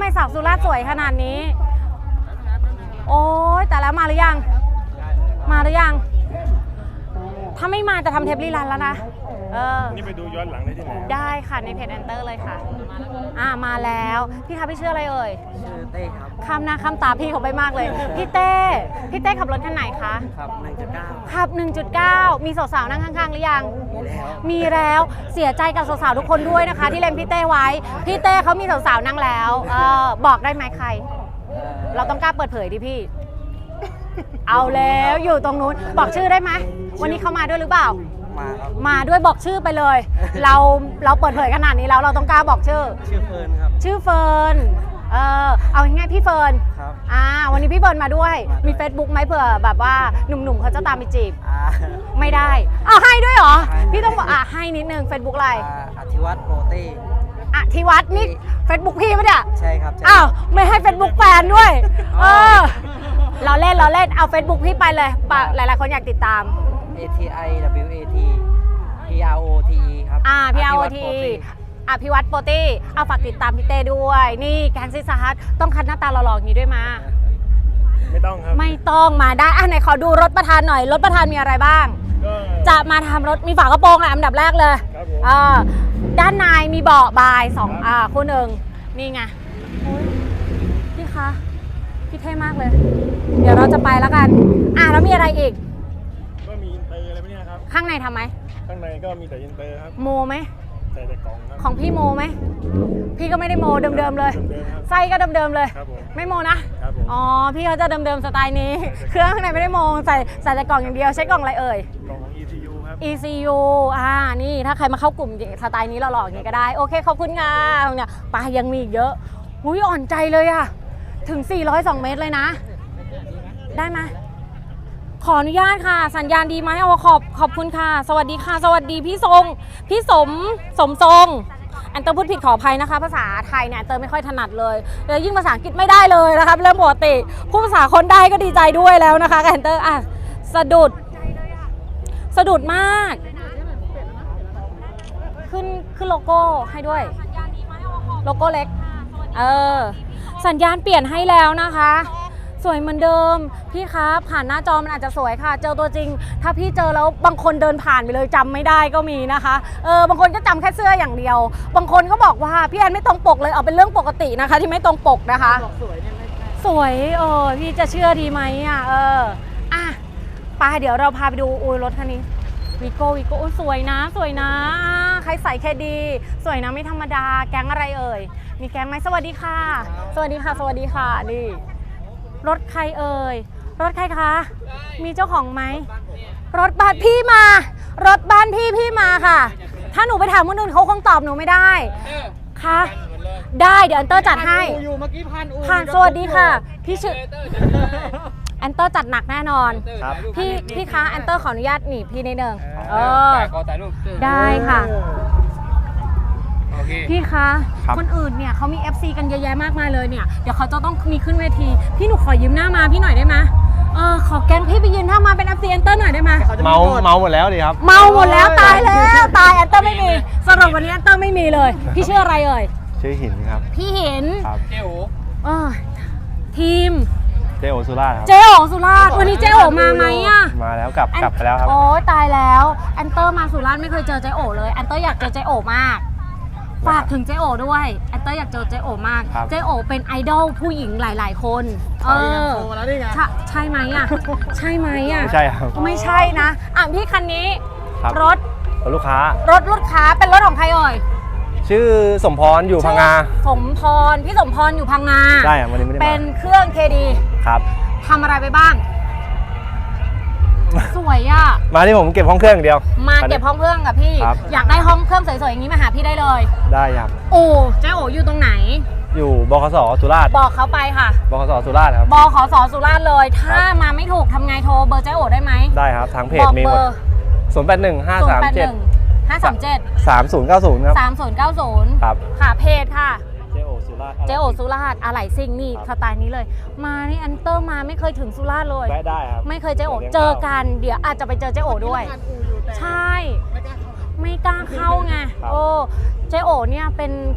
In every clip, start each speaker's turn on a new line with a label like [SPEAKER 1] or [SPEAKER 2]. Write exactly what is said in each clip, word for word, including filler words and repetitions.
[SPEAKER 1] สาวสุราษฎร์สวยขนาดนี้โอ้ยแต่แล้วมาหรือยังมาหรือยังถ้าไม่มาจะทำเทปรีรันแล้วนะเออ
[SPEAKER 2] นี่ไปดูย้อนหลังได้ที่ไหน
[SPEAKER 1] ได้ค่ะในเพจแอนเตอร์เลยค่ะอ่ามาแล้วพี่คะพี่ชื่ออะไรเอ่ย
[SPEAKER 3] ชื่อเต้ครับ
[SPEAKER 1] คำหน้าคำตาพี่เขาไปมากเลยพี่เต้พี่เต้ขับรถคันไหนคะ
[SPEAKER 3] ขับ หนึ่งจุดเก้า
[SPEAKER 1] ขับ หนึ่งจุดเก้า มีสาวๆนั่งข้างๆหรือยัง
[SPEAKER 3] มีแล้ว
[SPEAKER 1] มีแล้วเสียใจกับสาวๆทุกคนด้วยนะคะที่เล็งพี่เต้ไว้พี่เต้เขามีสาวๆนั่งแล้วเออบอกได้ไหมใครเราต้องกล้าเปิดเผยดิพี่เอาแล้วอยู่ตรงนู้นบอกชื่อได้ไหมวันนี้เขามาด้วยหรือเปล่า
[SPEAKER 3] มาครับ
[SPEAKER 1] มาด้วยบอกชื่อไปเลยเราเราเปิดเผยขนาดนี้แล้วเราต้องกล้าบอกชื่อ
[SPEAKER 3] ชื่อเฟิร์นครับ
[SPEAKER 1] ชื่อเฟิร์นเออเอาง่ายๆพี่เฟิร์น
[SPEAKER 3] ครับ
[SPEAKER 1] อ่าวันนี้พี่เฟิร์นมาด้วยมี Facebook ไหมเผื่อแบบว่าหนุ่มๆเขาจะตามไปจีบไม่ได้อ้าวให้ด้วยเหรอพี่ต้องบอกอ่ะให้นิดนึง Facebook อะไร
[SPEAKER 3] อธิวัฒน์โปรเต้
[SPEAKER 1] อธิวัฒน์นี่ Facebook พี่ปะเนี่ย
[SPEAKER 3] ใช่ครับ
[SPEAKER 1] อ้าวไม่ให้ Facebook แฟนด้วยเออเราเล่นเราเล่นเอา Facebook พี่ไปเลยหลายๆคนอยากติดตาม
[SPEAKER 3] A T I W A T P R O T E ครับ
[SPEAKER 1] อ่า P R O T E อภิวัตโปรตี้เอาฝากติดตามพี่เต้ด้วยนี่แกงซิสฮัทต้องคัดหน้าตาหล่อๆอย่างนี้ด้วยมา
[SPEAKER 2] ไม่ต้องครับ
[SPEAKER 1] ไม่ต้องมาได้อ่ะไหนขอดูรถประธานหน่อยรถประธานมีอะไรบ้างจะมาทำรถมีฝากระโปรงอ่ะอันดับแรกเลยอ่าด้านในมีเบาะบายสองอ่าคู่หนึ่งนี่ไงพี่คะพี่เท่มากเลยเดี๋ยวเราจะไปแล้วกันอ่ะแล้วมีอะไรอีก
[SPEAKER 2] ก็มีอินเตอร์อะไรพวกนี้ครับ
[SPEAKER 1] ข้างในทำไหม
[SPEAKER 2] ข้างในก็มีแต่อินเตอร์ครับ
[SPEAKER 1] โมไหม
[SPEAKER 2] ใส่แต่กล่องครับ
[SPEAKER 1] ของพี่โมไหมพี่ก็ไม่ได้โมเดิมๆเลยไส้ก็เดิมๆเลยไม่โมนะอ๋อพี่เขาจะเดิมๆสไตล์นี้เครื่องข้างในไม่ได้โมใส่ใส่แต่กล่องอย่างเดียวใช้กล่องอะไรเอ่ย
[SPEAKER 2] กล่องของ E C U ครับ
[SPEAKER 1] E C U อ่านี่ถ้าใครมาเข้ากลุ่มสไตล์นี้เราหลอกอย่างนี้ก็ได้โอเคขอบคุณค่ะเนี่ยปลายังมีอีกเยอะหุ้ยอ่อนใจเลยอะถึงสี่ร้อยสองเมตรเลยนะได้ไหมขออนุญาตค่ะสัญญาณดีไหมเอาขอบขอบคุณค่ะสวัสดีค่ะสวัสดีพี่ทรงพี่สมสมทรงแอนเตอร์พูดผิดขออภัยนะคะภาษาไทยเนี่ยแอนเตอร์ไม่ค่อยถนัดเลยแล้วยิ่งภาษาอังกฤษไม่ได้เลยนะคะเรื่องปกติพูดภาษาคนได้ก็ดีใจด้วยแล้วนะคะแอนเตอร์อ่ะสะดุดสะดุดมากขึ้นขึ้นโลโก้ให้ด้วยโลโก้เล็กเออสัญญาณเปลี่ยนให้แล้วนะคะสวยเหมือนเดิมพี่คะผ่านหน้าจอมันอาจจะสวยค่ะเจอตัวจริงถ้าพี่เจอแล้วบางคนเดินผ่านไปเลยจำไม่ได้ก็มีนะคะเออบางคนก็จำแค่เสื้ออย่างเดียวบางคนก็บอกว่าพี่แอนไม่ตรงปกเลยเอาเป็นเรื่องปกตินะคะที่ไม่ตรงปกนะคะสวยสวยเออพี่จะเชื่อดีไหมอ่ะเอออ่ะไปเดี๋ยวเราพาไปดูอุ้ยรถคันนี้วีโก้วีโก้สวยนะสวยนะใครใส่แค่ดีสวยนะไม่ธรรมดาแก๊งอะไรเอ่ยมีแก๊งไหมสวัสดีค่ะสวัสดีค่ะสวัสดีค่ะนี่รถใครเอ่ยรถใครคะมีเจ้าของไหมรถบ้านพี่มารถบ้านพี่พี่มาค่ะถ้าหนูไปถามคนอื่นเขาคงตอบหนูไม่ได้ค่ะได้เดี๋ยวแอนเตอร์จัดให้ผ่านสวัสดีค่ะพี่ชื่อแอนเตอร์จัดหนักแน่นอนพี่พี่คะแอนเตอร์ขออนุญาตหนีพี่นิดนึงเออได้ค่ะพี่คะคนอื่นเนี่ยเขามี เอฟ ซี กันเยอะแยะมากมายเลยเนี่ยเดี๋ยวเขาจะต้องมีขึ้นเวทีพี่หนูขอยืมหน้ามาพี่หน่อยได้ไหมเออขอแกงพี่ไปยืนหน้ามาเป็น เอฟ ซี แอนเตอร์หน่อยได้ไหม
[SPEAKER 4] เมาเมาหมดแล้วดิครับ
[SPEAKER 1] เมาหมดแล้วตายแล้วตายแอนเตอร์ไม่มีสำหรับวันนี้แอนเตอร์ไม่มีเลยพี่ชื่ออะไรเอ่ย
[SPEAKER 4] ชื่อหินครับ
[SPEAKER 1] พี่หิน
[SPEAKER 4] ครับ
[SPEAKER 1] เจโอเออทีม
[SPEAKER 4] เจโอสุราษฎร์ครับ
[SPEAKER 1] เจโอสุราษฎร์วันนี้เจโอมาไหมอ่ะ
[SPEAKER 4] มาแล้วกลับกลับไปแล้วครับ
[SPEAKER 1] โอ้ตายแล้วแอนเตอร์มาสุราษฎร์ไม่เคยเจอเจโอเลยแอนเตอร์อยากเจอเจโอมากฝากถึงเจโอด้วยแอนเตอร์อยากเจอเจโอมากเจโอเป็นไอดอลผู้หญิงหลายๆคนเออใช่ไหมอ่ะใช่ไหมอ่ะ
[SPEAKER 4] ไม่ใช่ครับ
[SPEAKER 1] ไม่ใช่นะอ่ะพี่คันนี้รถ
[SPEAKER 4] ลูกค้าร
[SPEAKER 1] ถลูกค้าเป็นรถของใครเอ่ย
[SPEAKER 4] ชื่อสมพรอยู่พังงา
[SPEAKER 1] สมพรพี่สมพรอยู่พังงา
[SPEAKER 4] ใช่วันนี้ไม่ได้มา
[SPEAKER 1] เป็นเครื่อง เค ดี
[SPEAKER 4] ครับ
[SPEAKER 1] ทำอะไรไปบ้างสวยอ่ะ
[SPEAKER 4] มาที่ผมเก็บห้องเครื่องอย่างเดียว
[SPEAKER 1] มาเก็บห้องเครื่องกับพี่อยากได้ห้องเครื่องสวยๆอย่างนี้มาหาพี่ได้เลย
[SPEAKER 4] ได้ครับ
[SPEAKER 1] โอ้เจ๊โออยู่ตรงไหน
[SPEAKER 4] อยู่บขสสุราษฎร์
[SPEAKER 1] บอกเขาไปค่ะ
[SPEAKER 4] บขสสุราษฎร์ครับ
[SPEAKER 1] บขสสุราษฎร์เลยถ้ามาไม่ถูกทำไงโทรเบอร์เจ๊โอได้ไหม
[SPEAKER 4] ได้ครับทางเพจมีหมดศูนย์แปดหนึ่งห้าสามเจ็ด
[SPEAKER 1] ห้าสามเจ็ด
[SPEAKER 4] สามศูนย์เก้าศูนย์ครับ
[SPEAKER 1] สามศูนย์เก้าศูนย์
[SPEAKER 4] ครับ
[SPEAKER 1] ค่ะเพจค่ะ
[SPEAKER 4] เจโอสุราษฎร์
[SPEAKER 1] เจโอสุราษฎร์อะไหล่ซิ่งนี่สไตล์นี้เลยมานี่แอนเตอร์มาไม่เคยถึงสุราษฎร์เลย
[SPEAKER 4] ได้ครับ
[SPEAKER 1] ไม่เคยเจโอเจอกันเดี๋ยวอาจจะไปเจอเจโอด้วยใช่ไม่กล้าเข้าไงโอ้เจโอเนี่ยเป็นเขาเรียก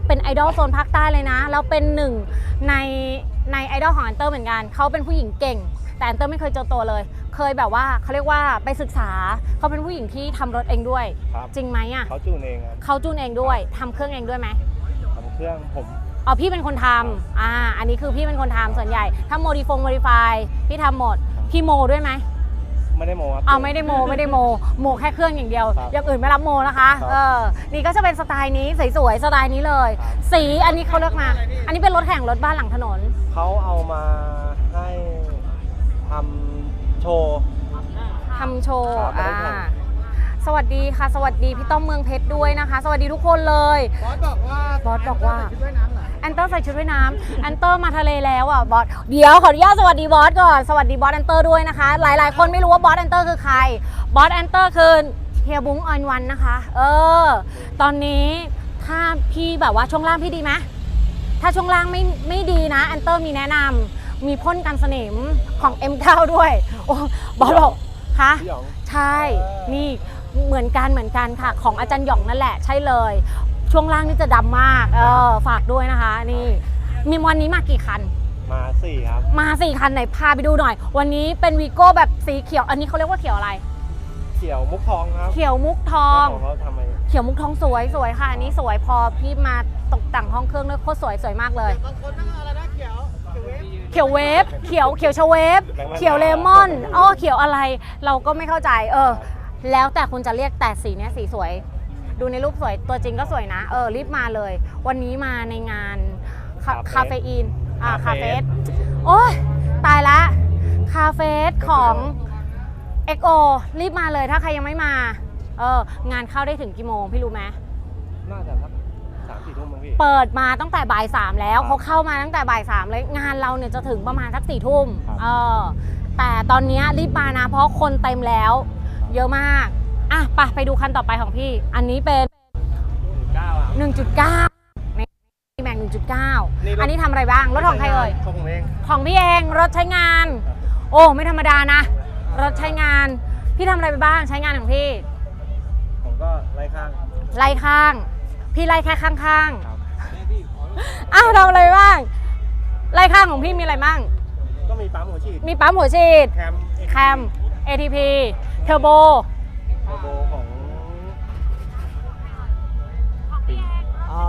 [SPEAKER 1] เป็นไอดอลโซนภาคใต้เลยนะแล้วเป็นหนึ่งในในไอดอลของอันเตอร์เหมือนกันเขาเป็นผู้หญิงเก่งแต่อันเตอร์ไม่เคยเจอตัวเลย เคยแบบว่าเขาเรียกว่าไปศึกษาเขาเป็นผู้หญิงที่ทำรถเองด้วย
[SPEAKER 2] ครับ
[SPEAKER 1] จริงไหมอ่ะ
[SPEAKER 2] เขาจูนเองครับ
[SPEAKER 1] เขาจูนเองด้วยทำเครื่องเองด้วยไหม
[SPEAKER 2] ทำเครื่องผม
[SPEAKER 1] อ๋อพี่เป็นคนทำอ่าอันนี้คือพี่เป็นคนทำส่วนใหญ่ถ้าโมดิฟงโมดิฟายพี่ทำหมดพี่โมด้วยไหม
[SPEAKER 2] ไม่ได้โมครับ
[SPEAKER 1] เอาไม่ได้โมไม่ได้โมโมแค่เครื่องอย่างเดียว
[SPEAKER 2] ครับ
[SPEAKER 1] อย่างอื่นไม่รับโมนะคะ
[SPEAKER 2] ครับ
[SPEAKER 1] เออนี่ก็จะเป็นสไตล์นี้สวยๆสไตล์นี้เลย
[SPEAKER 2] ครับ
[SPEAKER 1] สีอันนี้เขาเลือกมา อันนี้เป็นรถแข่งรถบ้านหลังถนน
[SPEAKER 2] เขาเอามาให้ทำโชว์
[SPEAKER 1] ทำโชว์
[SPEAKER 2] ครับ
[SPEAKER 1] อ่า
[SPEAKER 2] รถแข่ง
[SPEAKER 1] สวัสดีค่ะ สวัสดีพี่ต้อมเมืองเพชรด้วยนะคะ สวัสดีทุกคนเลย
[SPEAKER 3] บอสบอกว่า
[SPEAKER 1] บอสบอกว่า
[SPEAKER 3] ชุดว่ายน้ำเหรอ
[SPEAKER 1] แอนเตอร์ใส่ชุดว่ายน้ำแอนเตอร์มาทะเลแล้วอ่ะบอสเดี๋ยวขออนุญาตสวัสดีบอสก่อนสวัสดีบอสแอนเตอร์ด้วยนะคะ หลายๆ คนไม่รู้ว่าบอสแอนเตอร์คือใครบอสแอนเตอร์คือเฮียบุ้งออนวันนะคะเออตอนนี้ถ้าพี่แบบว่าช่วงล่างพี่ดีไหมถ้าช่วงล่างไม่ไม่ดีนะแอนเตอร์มีแนะนำมีพ่นกันสนิมของ เอ็ม เก้า ด้วยโอ้บอสบอกคะ
[SPEAKER 2] พี่หยอง
[SPEAKER 1] ใช่นี่เหมือนกันเหมือนกันค่ะของอาจารย์หยองนั่นแหละใช่เลยช่วงล่างนี่จะดำมากเออฝากด้วยนะคะนี่มีวันนี้มากี่คัน
[SPEAKER 2] มาสี่ครับ
[SPEAKER 1] มาสี่คันไหนพาไปดูหน่อย วันนี้เป็นวีโก้แบบสีเขียวอันนี้เขาเรียกว่าเขียวอะไร
[SPEAKER 2] เขียวมุกทองครับ
[SPEAKER 1] เขียวมุกทอง
[SPEAKER 2] เจ้าของเขาทำไม
[SPEAKER 1] เขียวมุกทองสวยสวยค่ะอันนี้สวยพอพี่มาตกแต่งห้องเครื่องด้วยโคตรสวยสวยมากเลย
[SPEAKER 3] บางคนนั่งอะไรนะเขียวเขียวเวฟ
[SPEAKER 1] เขียวเวฟเขียวเขียวชเวฟเขียวเลมอนอ้อเขียวอะไร เราก็ไม่เข้าใจเออแล้วแต่คุณจะเรียกแต่สีเนี้ยสีสวย ดูในรูปสวยตัวจริงก็สวยนะเออรีบมาเลย วันนี้มาในงานคาคาเฟอีนอ่าคาเฟสโอ้ยตายละคาเฟสของ เอ็ก โอ รีบมาเลยถ้าใครยังไม่มาเอองานเข้าได้ถึงกี่โมงพี่รู้ไหม
[SPEAKER 2] น่าจะสักสามสี่ทุ่มมั้งพี่
[SPEAKER 1] เปิดมาตั้งแต่บ่ายสามแล้ว
[SPEAKER 2] ครับ
[SPEAKER 1] เขาเข้ามาตั้งแต่บ่ายสามเลยงานเราเนี่ยจะถึงประมาณสักสี่ทุ่ม
[SPEAKER 2] ครับ
[SPEAKER 1] เออแต่ตอนนี้รีบมานะเพราะคนเต็มแล้ว เยอะมากอ่ะไปไปดูคันต่อไปของพี่ อันนี้เป็น
[SPEAKER 2] เก้าอ่ะ
[SPEAKER 1] หนึ่งจุดเก้าในแม็กหนึ่งจุดเก้า
[SPEAKER 2] นี่รถ
[SPEAKER 1] อันนี้ทำอะไรบ้าง รถของใครเอ่ย
[SPEAKER 2] ของผมเอง
[SPEAKER 1] ของพี่เองรถใช้งาน โอ้ไม่ธรรมดานะ รถใช้งาน พี่ทำอะไรไปบ้างใช้งานของพี่
[SPEAKER 2] ผมก็ไล่ข้าง
[SPEAKER 1] ไล่ข้าง พี่ไล่แค่ข้าง
[SPEAKER 2] ครับ
[SPEAKER 1] ๆอ้าวทำอะไรบ้าง ไล่ข้างของพี่มีอะไรบ้าง
[SPEAKER 2] ก็มีปั๊มหัวฉีด
[SPEAKER 1] มีปั๊มหัวฉีด
[SPEAKER 2] แคม
[SPEAKER 1] แคม เอ ที พี เทอร์โบ
[SPEAKER 2] เทอร์โบของปี
[SPEAKER 3] อ๋อ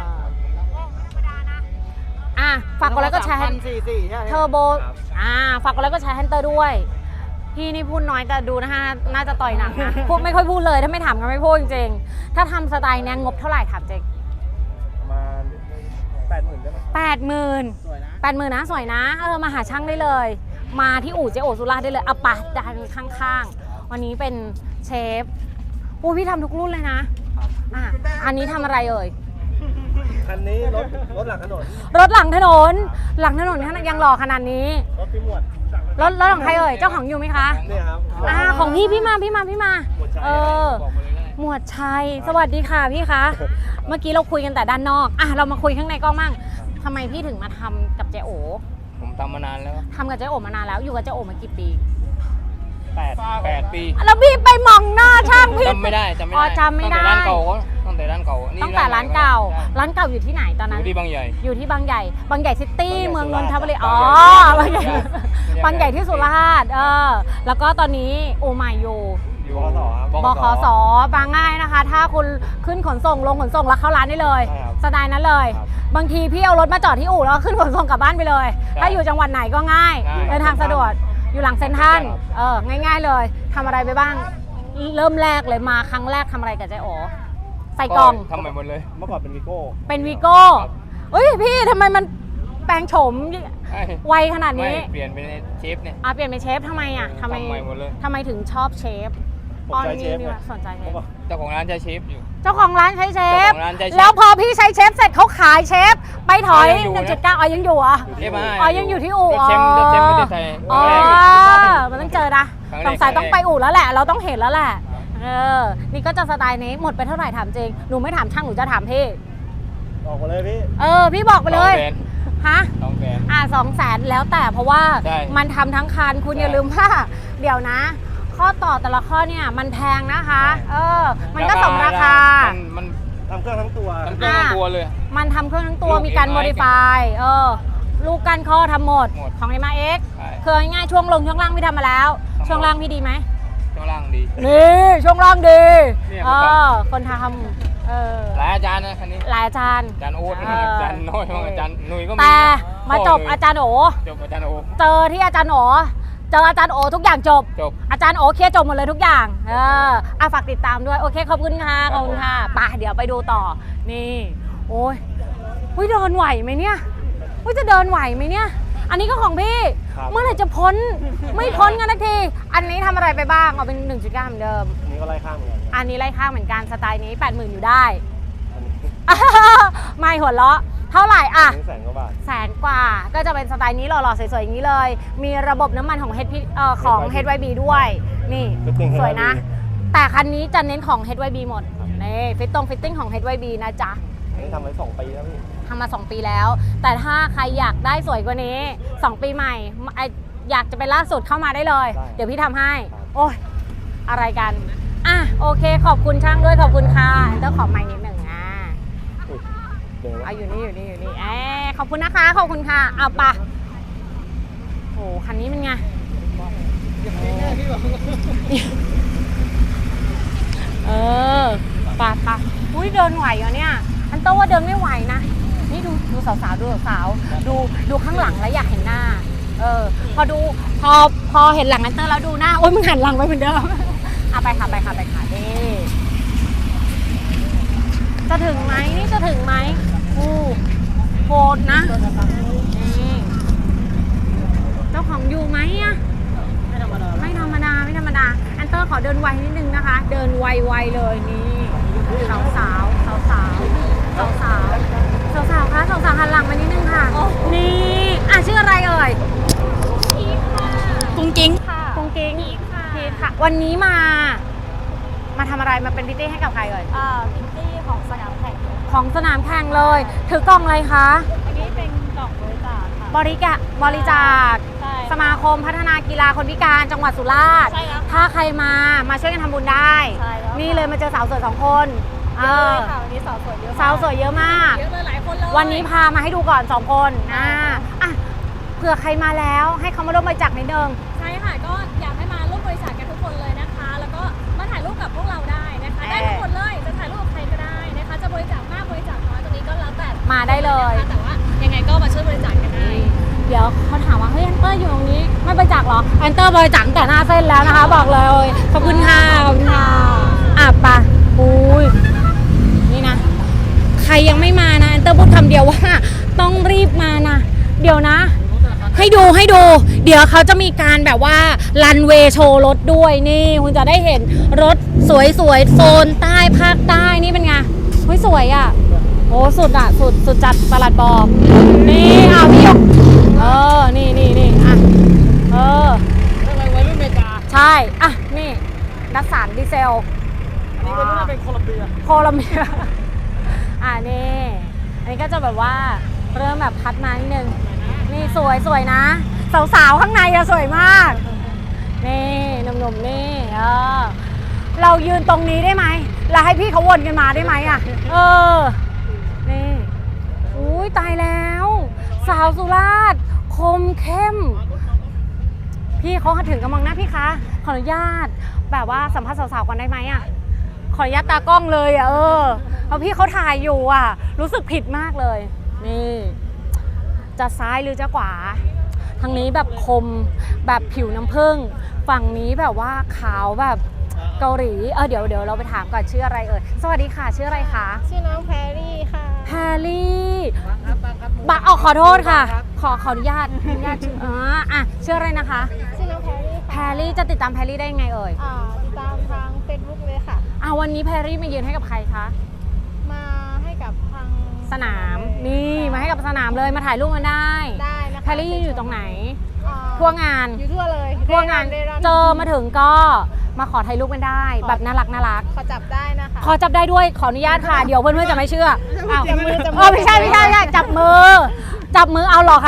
[SPEAKER 1] อ่ะฝากกดไลค์ก็แชร์
[SPEAKER 3] พันสี่สี่ใช่ไหม
[SPEAKER 1] เทอร์โบ อ่า ฝากกดไลค์ก็แชร์แฮนเตอร์ด้วย พี่นี่พูดน้อยแต่ดูนะคะ น่าจะต่อยหนักนะ พูดไม่ค่อยพูดเลย ถ้าไม่ถามกันไม่พูดจริงๆ ถ้าทำสไตล์เนี้ยงบเท่าไหร่ถามเจ๊
[SPEAKER 2] ประมาณแปดหมื่นได้ไหม
[SPEAKER 1] แปดหมื่น
[SPEAKER 3] สวยนะ
[SPEAKER 1] แปดหมื่นนะ สวยนะ เออ มาหาช่างได้เลย มาที่อู่เจโอสุราษฎร์ได้เลยเอาปะดันข้างๆ วันนี้เป็นเชฟอู้พี่ทำทุกรุ่นเลยนะอ่ะอันนี้ทำอะไรเอ่ย
[SPEAKER 2] คันนี้รถรถหลังถนน
[SPEAKER 1] รถหลังถนน หลังถนนยังหล่อขนาดนี้
[SPEAKER 2] รถพี่หมวด
[SPEAKER 1] รถรถของใครเอ่ย เจ้าของอยู่ไหมคะ
[SPEAKER 2] เนี่ยครับ
[SPEAKER 1] อ่า ของพี่พี่มาพี่มาพี่มา
[SPEAKER 2] หมวดชัย
[SPEAKER 1] เออ
[SPEAKER 2] บอกมาเลยได้
[SPEAKER 1] หมวดชัย สวัสดีค่ะพี่คะ เมื่อกี้เราคุยกันแต่ด้านนอก อ่ะเรามาคุยข้างในกล้องมั่งทำไมพี่ถึงมาทำกับเจโอ
[SPEAKER 5] ผมทำมานานแล้ว
[SPEAKER 1] ทำกับเจโอมานานแล้ว อยู่กับเจโอมากี่ปี
[SPEAKER 2] แปด
[SPEAKER 5] แปดปี
[SPEAKER 1] แล้วพี่ไปมองหน้าช่างพี่
[SPEAKER 5] จำไม่ได้จำไม่
[SPEAKER 1] อ๋อ
[SPEAKER 5] ได้
[SPEAKER 1] จำไม่ได้
[SPEAKER 5] ตั้งแต่ร้านเก่าเขาตั้งแต่ร้านเก่านี่
[SPEAKER 1] ตั้งแต่ร้านเก่า
[SPEAKER 5] ใช่
[SPEAKER 1] ร้านเก่าอยู่ที่ไหนตอน
[SPEAKER 5] อ
[SPEAKER 1] นั้น
[SPEAKER 5] ยู่ที่บางใหญ่
[SPEAKER 1] อยู่ที่บางใหญ่ บางใหญ่ซิตี้
[SPEAKER 2] บางใหญ่
[SPEAKER 1] เมืองนนทบุรี
[SPEAKER 2] สุ
[SPEAKER 1] อ๋อ
[SPEAKER 2] ราษฎร์
[SPEAKER 1] บางใหญ่ บางใหญ่ที่สุราษฎร์เออ แล้วก็ตอนนี้โอไมอยู่
[SPEAKER 5] อยู่
[SPEAKER 2] บขสครับ
[SPEAKER 1] บขสบางง่ายนะคะ ถ้าคุณขึ้นขนส่งลงขนส่งแล้วเข้าร้านได้เลย
[SPEAKER 2] ใช่ครับ
[SPEAKER 1] สไตล์นั้นเลย
[SPEAKER 2] ครับ
[SPEAKER 1] บางทีพี่เอารถมาจอดที่อู่แล้วขึ้นขนส่งกลับบ้านไปเลย ถ้าอยู่จังหวัดไหนก็ง่าย เดินทางสะดวก อยู่หลังเซ็นทรัลเออ ง่าย ๆ เลยทำอะไรไปบ้าง เริ่มแรกเลยมาครั้งแรกทำอะไรกับเจ๊โอใส่กล่อง
[SPEAKER 5] ทำใหม่หมดเลย
[SPEAKER 2] เมื่อก่อนเป็นวีโก้
[SPEAKER 1] เป็นวีโก้เอ้ยพี่ทำไมมันแปลงโฉม
[SPEAKER 5] ใช่
[SPEAKER 1] ไวขนาดนี้
[SPEAKER 5] ไม่เปลี่ยนเป็นเชฟเนี่ย
[SPEAKER 1] อ่ะเปลี่ยนเป็นเชฟทำไมอ่ะทำไม
[SPEAKER 5] ทำใหม่หมดเลย
[SPEAKER 1] ทำไมถึงชอบเชฟ
[SPEAKER 2] ผมใจเชฟ
[SPEAKER 1] นี่
[SPEAKER 2] ไง
[SPEAKER 1] ว่ะสนใจเช
[SPEAKER 2] เมื่
[SPEAKER 1] ฟ
[SPEAKER 2] อก่อน
[SPEAKER 5] เจ้าของร้านจะเชฟอยู่
[SPEAKER 1] เจ้าของร้านใช้เชฟ
[SPEAKER 5] เจ้าของร้านใช้เชฟ
[SPEAKER 1] แล้วพอพี่ใช้เชฟเสร็จเขาขายเชฟ ไปถอย
[SPEAKER 5] ยังอยู่
[SPEAKER 1] หนึ่ง
[SPEAKER 5] นะ
[SPEAKER 1] จุดเก้าอ๋อยังอยู่เหรอ่ะ
[SPEAKER 5] เชฟมา
[SPEAKER 1] อ๋อยังอยู่ที่อู่
[SPEAKER 5] รถเชฟรถเชฟประเทศไทย
[SPEAKER 1] อ๋อ
[SPEAKER 5] ครั้งแรก
[SPEAKER 1] มันต้องเจอนะ
[SPEAKER 5] ครั้งแรก
[SPEAKER 1] สงสัย
[SPEAKER 5] ครั้งแรก
[SPEAKER 1] ต้องไปอู่แล้วแหละ เราต้องเห็นแล้วแหละเออนี่ก็จะสไตล์นี้หมดไปเท่าไหร่ถามจริงหนูไม่ถามช่างหนูจะถามพี่
[SPEAKER 2] ออกมาเลยพี่
[SPEAKER 1] เออพี่บอกไปเลย
[SPEAKER 5] สองแสน
[SPEAKER 1] ฮะ
[SPEAKER 5] สองแสน
[SPEAKER 1] อ่าสองแสนแล้วแต่เพราะว่า
[SPEAKER 5] ใช่
[SPEAKER 1] มันทำทั้งคันคุณ
[SPEAKER 5] ใช่
[SPEAKER 1] อย่าลืมว่า เดี๋ยวนะ ข้อต่อแต่ละข้อเนี่ยมันแพงนะคะ
[SPEAKER 5] ใช่
[SPEAKER 1] เออ มันก็สมราคา
[SPEAKER 5] นมัน
[SPEAKER 2] ทำเครื่องทั้งตัว
[SPEAKER 5] ทำเครื่องทั้งตัวเลย
[SPEAKER 1] มันทำเครื่องทั้งตัว
[SPEAKER 5] ลูก
[SPEAKER 1] มีการ
[SPEAKER 5] เอ็กซ์
[SPEAKER 1] โมดิฟายเออลูกกันข้อทำหมด
[SPEAKER 5] หมด
[SPEAKER 1] ของ เอ็ม อาร์ เอ็กซ์
[SPEAKER 5] ใช่
[SPEAKER 1] คือง่ายๆช่วงลงช่วงล่างพี่ทำมาแล้ว
[SPEAKER 5] ทำหมด
[SPEAKER 1] ช่วงล่างพี่ดีไหม
[SPEAKER 5] ช่วงล่างดี
[SPEAKER 1] นี่ช่วงล่างดี
[SPEAKER 5] เนี่ย
[SPEAKER 1] เอ
[SPEAKER 5] เมื่อก่อน
[SPEAKER 1] อคนทำเออ
[SPEAKER 5] หลายอาจารย์นะคันนี้
[SPEAKER 1] หลายอาจารย์
[SPEAKER 5] อาจารย์โอ๊ต
[SPEAKER 1] เออ
[SPEAKER 5] อาจารย์น้อยอาจารย์หนุ่ยก็มี
[SPEAKER 1] แต่
[SPEAKER 5] นะ
[SPEAKER 1] มาจบ
[SPEAKER 5] พ่หนุ่ย
[SPEAKER 1] อาจารย์โอ
[SPEAKER 5] จบอาจารย์โอ
[SPEAKER 1] เจอที่อาจารย์โอเจออาจารย์โอทุกอย่างจบ
[SPEAKER 5] จบ
[SPEAKER 1] อาจารย์โอเคลียร์จบหมดเลยทุกอย่างเอออ่ะฝากติดตามด้วยโอเคขอบคุณค่ะขอบคุณค่ะไปเดี๋ยวไปดูต่อนี่โอ้ยเฮ้ยเดินไหวไหมเนี่ยเฮ้ยจะเดินไหวไหมเนี่ยอันนี้ก็ของพี่
[SPEAKER 2] ครับ
[SPEAKER 1] เมื่อไหร่จะพ้นไม่พ้นกันสักทีอันนี้ทำอะไรไปบ้างเอาเป็น หนึ่งจุดเก้า เหมือนเดิม
[SPEAKER 2] อันนี้ก็ไล่ข้างเหมือนกัน
[SPEAKER 1] อันนี้ไล่ข้างเหมือนกันสไตล์นี้ แปดหมื่น อยู่ได้
[SPEAKER 2] อันนี้
[SPEAKER 1] ไม่หัวเราะเท่าไหร่อ่ะ
[SPEAKER 2] อันนี้แสนกว่าบาท
[SPEAKER 1] แสนกว่าก็จะเป็นสไตล์นี้หล่อๆสวยๆอย่างนี้เลย มีระบบน้ำมันของ H P เอ่อของ เอช วาย บี ด้วย นี่
[SPEAKER 2] Fitting
[SPEAKER 1] สวยนะ
[SPEAKER 2] เอช วาย บี
[SPEAKER 1] แต่คันนี้จะเน้นของ เอช วาย บี หมดนี่ฟิตตรงฟิตติ้งของ เอช วาย บี นะจ๊ะ
[SPEAKER 2] อันนี้ทำไว้สองปีแล้วพี่
[SPEAKER 1] ทำมา สอง ปีแล้ว แต่ถ้าใครอยากได้สวยกว่านี้ สอง ปีใหม่ไอ้อยากจะเป็นล่าสุดเข้ามาได้เลย
[SPEAKER 2] ได้
[SPEAKER 1] เดี๋ยวพี่ทำให้
[SPEAKER 2] ครับ
[SPEAKER 1] โอ้ยอะไรกันอ่ะโอเคขอบคุณช่างด้วยขอบคุณค่ะเจ้าของไมค์นิดหนึ่งอ่ะ
[SPEAKER 2] อุ๊ยเดี๋ยวนะ
[SPEAKER 1] เอาอยู่นี่อยู่นี่อยู่นี่แอบขอบคุณนะคะขอบคุณค่ะเอาปะโอ้คันนี้เป็นไงเออปะปะอุ้ยเดินไหวเหรอเนี่ยอันโต้ว่าเดินไม่ไหวนะนี่ดูดูสาวๆดูสาวๆดูดูข้างหลังแล้วอยากเห็นหน้าเออพอดูพอพอเห็นหลังอันเตอร์แล้วดูหน้าโอ้ยมึงหันหลังไปเหมือนเดิมเอาไปค่ะไปค่ะไปค่ะนี่จะถึงไหมนี่จะถึงไหมอู้โหดนะนี่เจ้าของอยู่ไหมอะไม่ธรรมดาไม่ธรรมดาไม่ธรรมดาอันเตอร์ขอเดินไวนิดนึงนะคะ เดินไวๆเลยนี่สาวสาวสาวสาวสาวสาวสาวสาวๆคะสาวสาวๆหันหลังมานิดนึงค่ะนี่อ่ะชื่ออะไรเอ่ย
[SPEAKER 6] กุ้งกิ้งค่ะ
[SPEAKER 1] กุ้งกิ้ง
[SPEAKER 6] พีทค่ะ
[SPEAKER 1] พีทค่ะ วันนี้มา มาทำอะไรมาเป็นพิตตี้ให้กับใครเอ่ย
[SPEAKER 6] อ่าพิตตี้ของสนามแข่ง
[SPEAKER 1] ของสนามแข่งเลย ถือกล่องอะไรคะ
[SPEAKER 6] อันนี้เป็นกล่องบริจาคค่ะ
[SPEAKER 1] บริกะบริจาค
[SPEAKER 6] ใช่
[SPEAKER 1] สมาคมพัฒนากีฬาคนพิการจังหวัดสุราษฎร์
[SPEAKER 6] ใช่แล้ว
[SPEAKER 1] ถ้าใครมามาช่วยกันทำบุญได้
[SPEAKER 6] ใช่แล้ว
[SPEAKER 1] นี่เลยมาเจอสาวสวยสองคนเอ
[SPEAKER 6] เยอะ
[SPEAKER 1] อ
[SPEAKER 6] เลยค่ะวันนี้สาวสวยเยอะมก
[SPEAKER 1] สาวสวยเยอะมาก
[SPEAKER 6] เยอะเลยหลายคนเลย
[SPEAKER 1] วันนี้พามาให้ดูก่อนสองคนอ่าอ่ะเผื่อใครมาแล้วให้เขามาร่วมบริจาคนิดนึง
[SPEAKER 6] ใช่ค่ะก็อยากให้มาร่วมบริจาคกันทุกคนเลยนะคะ แล้วก็มาถ่ายรูปกับพวกเราได้นะคะ ได้ทุกคนเลยจะถ่ายรูปกับใครก็ได้นะคะ จะบริจาคมากบริจาคน้อยตรงนี้ก็แล้วแต่
[SPEAKER 1] มาได้เลย
[SPEAKER 6] นะคะแต่ว่ายังไงก็มาช่วยบริจาคกันได้
[SPEAKER 1] เดี๋ยวเขาถามว่าเฮ้ยแอนเตอร์อยู่ตรงนี้ไม่บริจาคเหรอแอนเตอร์บริจาคตั้งแต่หน้าเส้นแล้วนะคะ บอกเลยขอบคุณค่ะขอบคุณค่ะอ่ะไปะอุ้ยนี่นะ ใครยังไม่มานะแอนเตอร์พูดคำเดียวว่า ต้องรีบมานะ เดี๋ยวนะ ให้ดูให้ดู เดี๋ยวเขาจะมีการแบบว่ารันเวย์โชว์รถด้วยนี่คุณจะได้เห็นรถสวยๆโซนใต้ภาคใต้นี่เป็นไงเฮ้ยสวยอ่ะโอ้สุดอ่ะสุดสุดจัดประหลัดบอกนี่เอาพี่ยกเออนี่นี่นี่อ่ะเออ
[SPEAKER 3] อะไรวัยรุ่นอเมริกา
[SPEAKER 1] ใช่อ่ะนี่ดัสสันดีเซล
[SPEAKER 3] อันนี้วัยรุ่นน่าเป็นโคลัมเบีย
[SPEAKER 1] โคลัมเบีย อ่ะนี่อันนี้ก็จะแบบว่าเริ่มแบบพัดมานิดนึงนี่สวยสวยนะ สาวๆข้างในอะสวยมาก นี่หนุ่มๆนี่เออเรายืนตรงนี้ได้ไหมแล้วให้พี่เขาวนกันมาได้ไหมอะเออนี่อุ้ยตายแล้ว สาวสุราษฎร์คมเข้ม พี่เขาถึงกำลังหน้าพี่คะขออนุญาตแบบว่าสัมภาษณ์สาวๆก่อนได้ไหมอะขออนุญาตตากล้องเลยอะเออเพราะพี่เขาถ่ายอยู่อะรู้สึกผิดมากเลยนี่จะซ้ายหรือจะขวาทางนี้แบบคมแบบผิวน้ำผึ้งฝั่งนี้แบบว่าขาวแบบเกาหลีเออเดี๋ยวเดี๋ยวเราไปถามก่อนชื่ออะไรเอ่ยสวัสดีค่ะชื่ออะไรคะ
[SPEAKER 6] ชื่อน้องแพรรี่ค่ะ
[SPEAKER 1] แพรลี่บักเอาขอโทษค่ะ ขอขออนุญาตอนุญาตชื่ออ๋ออ่ะชื่ออะไรนะคะ
[SPEAKER 6] ชื่อน้องแพรรี่
[SPEAKER 1] แพรลี่จะติดตามแพรลี่ได้ยังไงเอ่ย
[SPEAKER 6] อ่าติดตามทาง Facebook เลยค่ะ
[SPEAKER 1] อ่ะวันนี้แพรลี่มายืนให้กับใครคะ
[SPEAKER 6] มาให้กับทาง
[SPEAKER 1] สนามนี่มาให้กับสนามเลยมาถ่ายรูปกันได้
[SPEAKER 6] ได้นะคะ
[SPEAKER 1] แพรลี่อยู่ตรงไหน
[SPEAKER 6] อ่า
[SPEAKER 1] ทั่วงาน
[SPEAKER 6] อยู่ทั่วเลย
[SPEAKER 1] ทั่วงาน
[SPEAKER 6] เร่ร่อน
[SPEAKER 1] เจอมาถึงก็มาขอถ่ายรูปกันได้ แบบน่ารักน่ารัก
[SPEAKER 6] ขอจับได้นะคะ
[SPEAKER 1] ขอจับได้ด้วยขออนุญาตค่ะ เดี๋ยวเพื่อนๆจะไม่เชื่ออ้าว
[SPEAKER 6] จับมือจับมือ
[SPEAKER 1] เออไม่ใช่ไม่ใช่ไม่ใช่จับมือ จับมือเอาเหรอคะ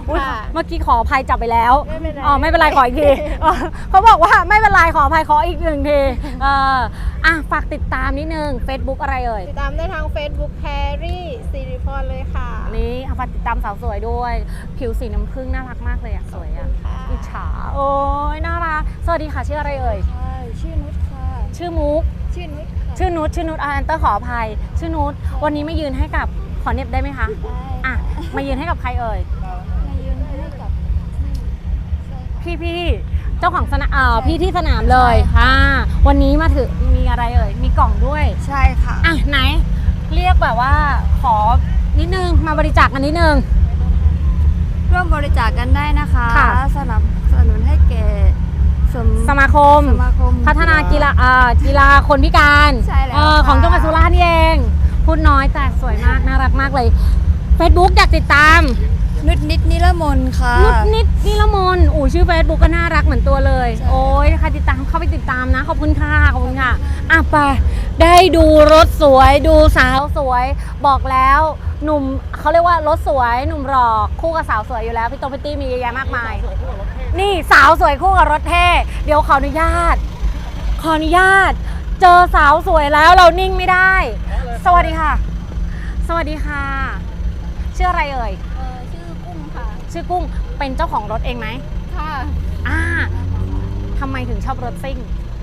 [SPEAKER 1] อุ๊ย
[SPEAKER 6] ค่ะ
[SPEAKER 1] เมื่อกี้ขออภัยจับไปแล้ว
[SPEAKER 6] ไม่เป็นไร
[SPEAKER 1] อ๋อไม่เป็นไรขออีกทีอ๋อเขาบอกว่าไม่เป็นไรขออภัยขออีกหนึ่งทีเอออ่ะฝากติดตามนิดนึง Facebook อะไรเอ่ย
[SPEAKER 7] ติดตามได้ทาง Facebook แพรรี่สิริพรเลยค่ะ
[SPEAKER 1] นี่ฝากติดตามสาวสวยด้วย ผิวสีน้ำผึ้งน่ารักมากเลยอะสวยอะ
[SPEAKER 7] ค่ะ
[SPEAKER 1] อิจฉาโอ้ยน่ารักสวัสดีค่ะชื่ออะไรเอ่ย
[SPEAKER 7] ใช่ชื่อนุชค่ะ
[SPEAKER 1] ชื่อมุก
[SPEAKER 7] ชื่อนุชค่ะ
[SPEAKER 1] ชื่อนุชชื่อนุชอาแอนเตอร์ขออภัย ชื่อนุชวันนี้มายืนให้กับขอเน็บได้ไหมคะ
[SPEAKER 7] ได้
[SPEAKER 1] อ่ะมายืนให้กับใครเอ่ย
[SPEAKER 7] มายืนให้กับใช่ค่ะ
[SPEAKER 1] พี่พี่เจ้าของสนามเอ่อพี่ที่สนามเลยอ่าวันนี้มาถึงมีอะไรเอ่ยมีกล่องด้วย
[SPEAKER 7] ใช่ค่ะ
[SPEAKER 1] อ่ะไหน เรียกแบบว่าขอนิดนึงมาบริจาคกันนิดนึง
[SPEAKER 7] ร่วมบริจาคกันได้นะคะ
[SPEAKER 1] ค่ะ
[SPEAKER 7] สนับสนุนให้แก่สม
[SPEAKER 1] สมาคม
[SPEAKER 7] สมาคม
[SPEAKER 1] พัฒนากีฬาอ่ากีฬาคนพิการ
[SPEAKER 7] ใช่แล้ว
[SPEAKER 1] เอ่อ
[SPEAKER 7] ค่ะ
[SPEAKER 1] ของจังหวัดสุราษฎร์นี่เองพูดน้อยแต่สวยมากน่ารักมากเลย Facebook อยากติดตาม
[SPEAKER 7] นุชนิดนิรมนค่ะ
[SPEAKER 1] นุชนิดนิรมนอู๋ชื่อ Facebook ก็น่ารักเหมือนตัวเลย
[SPEAKER 7] ใช่
[SPEAKER 1] โอ้ยใครติดตามเข้าไปติดตามนะ ขอบคุณค่ะ ขอบคุณค่ะ อ่ะไปได้ดูรถสวยดูสาวสวย บอกแล้วหนุ่มเขาเรียกว่ารถสวยหนุ่มหล่อคู่กับสาวสวยอยู่แล้ว พี่โตพี่ตี้มีเยอะแยะมากมาย นี่สาวสวยคู่กับรถเท่เดี๋ยวขออนุญาต ขออนุญาต เจอสาวสวยแล้วเรานิ่งไม่ได้ สวัสดีค่ะ สวัสดีค่ะ ชื่ออะไรเอ่ย
[SPEAKER 7] เอ่อชื่อกุ้งค่ะ
[SPEAKER 1] ชื่อกุ้งเป็นเจ้าของรถเองไหม
[SPEAKER 7] ค่ะ
[SPEAKER 1] อ่าทำไมถึงชอบรถซิ่ง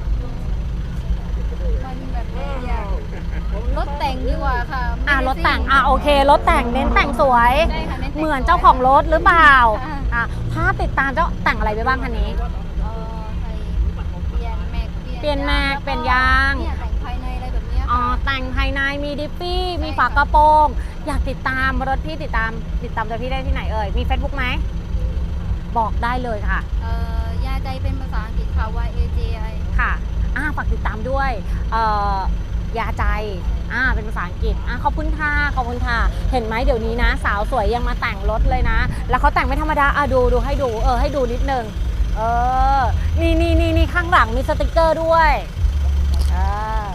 [SPEAKER 7] มันแบบอยากรถแต่งดีกว่าค่ะ
[SPEAKER 1] อ่าร
[SPEAKER 7] ไม่
[SPEAKER 1] ถ
[SPEAKER 7] ได้
[SPEAKER 1] แต่ง
[SPEAKER 7] ซิ่
[SPEAKER 1] อ่าโอเค รถแต่งเน้นแต่งสวย
[SPEAKER 7] ใช่ค่ะน้นแต่ง
[SPEAKER 1] เหมือนเจ้าของรถหรือเปล่า
[SPEAKER 7] ค่ะ
[SPEAKER 1] อ่าถ้าติดตามเจ้าแต่งอะไรไปบ้างคันนี้
[SPEAKER 7] เอ่อใส่เปลี่ยนแม็ก
[SPEAKER 1] เปลี่ยนแม็ก
[SPEAKER 7] ล้ว
[SPEAKER 1] เปลี่ยนยาง
[SPEAKER 7] เนี่ยแต่งภายในอะไรแบบเนี้ย
[SPEAKER 1] อ๋อ
[SPEAKER 7] ค่ะ
[SPEAKER 1] แต่งภายในมีดิฟฟี่ มี
[SPEAKER 7] ใช่
[SPEAKER 1] ฝากระโปรง อยากติดตามรถพี่ติดตาม ติดตามตัวพี่ได้ที่ไหนเอ่ย มี Facebook ไหม บอกได้เลยค่ะ
[SPEAKER 7] เอ่อยาใจเป็นภาษาอังกฤษค่ะ Y A J I
[SPEAKER 1] ค่ะอ่าฝากติดตามด้วยเอ่อยาใจอ่าเป็นภาษาอังกฤษอ่าขอบคุณค่ะ ขอบคุณค่ะ เห็นไหมเดี๋ยวนี้นะ สาวสวยยังมาแต่งรถเลยนะ แล้วเขาแต่งไม่ธรรมดาอ่ะดูดูให้ดู เออ ให้ดูนิดนึง เออ นี่นี่นี่นี่ข้างหลังมีสติกเกอร์ด้วยอ่า